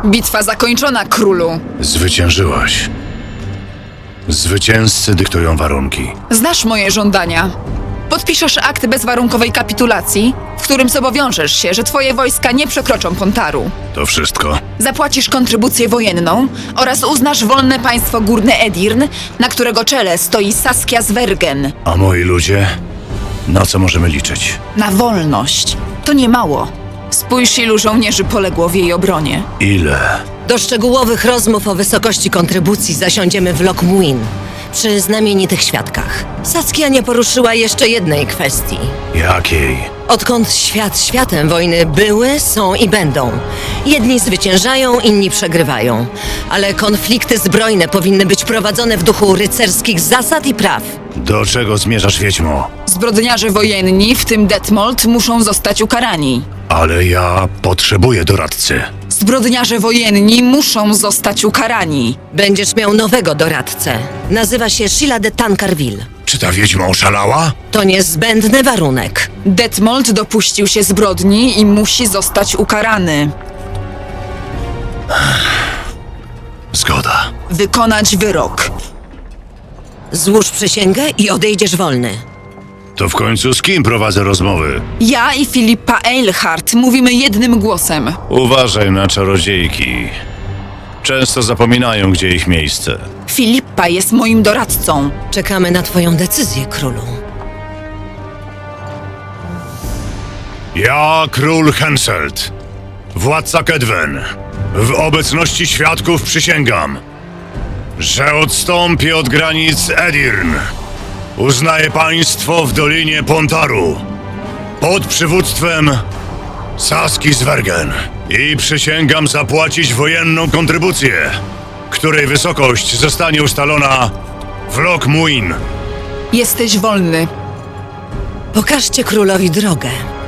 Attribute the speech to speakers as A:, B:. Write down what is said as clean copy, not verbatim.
A: Bitwa zakończona, królu.
B: Zwyciężyłaś. Zwycięzcy dyktują warunki.
A: Znasz moje żądania. Podpiszesz akt bezwarunkowej kapitulacji, w którym zobowiążesz się, że twoje wojska nie przekroczą Pontaru.
B: To wszystko?
A: Zapłacisz kontrybucję wojenną oraz uznasz wolne państwo Górne Edirn, na którego czele stoi Saskia Zwergen.
B: A moi ludzie? Na co możemy liczyć?
A: Na wolność. To nie mało. Spójrz, ilu żołnierzy poległo w jej obronie.
B: Ile?
C: Do szczegółowych rozmów o wysokości kontrybucji zasiądziemy w Lockmuin, przy znamienitych świadkach. Saskia nie poruszyła jeszcze jednej kwestii.
B: Jakiej?
C: Odkąd świat światem, wojny były, są i będą. Jedni zwyciężają, inni przegrywają. Ale konflikty zbrojne powinny być prowadzone w duchu rycerskich zasad i praw.
B: Do czego zmierzasz, wiedźmo?
A: Zbrodniarze wojenni, w tym Detmold, muszą zostać ukarani.
B: Ale ja potrzebuję doradcy.
A: Zbrodniarze wojenni muszą zostać ukarani.
C: Będziesz miał nowego doradcę. Nazywa się Sheila de Tancarville.
B: Czy ta wiedźma oszalała?
C: To niezbędny warunek.
A: Detmold dopuścił się zbrodni i musi zostać ukarany.
B: Zgoda.
A: Wykonać wyrok.
C: Złóż przysięgę i odejdziesz wolny.
B: To w końcu z kim prowadzę rozmowy?
A: Ja i Filipa Eilhart mówimy jednym głosem.
B: Uważaj na czarodziejki. Często zapominają, gdzie ich miejsce.
A: Filipa jest moim doradcą.
C: Czekamy na twoją decyzję, królu.
B: Ja, król Henselt, władca Kedwen, w obecności świadków przysięgam, że odstąpię od granic Edirn. Uznaję państwo w Dolinie Pontaru pod przywództwem Saski Zwergen i przysięgam zapłacić wojenną kontrybucję, której wysokość zostanie ustalona w Lockmuin.
A: Jesteś wolny.
C: Pokażcie królowi drogę.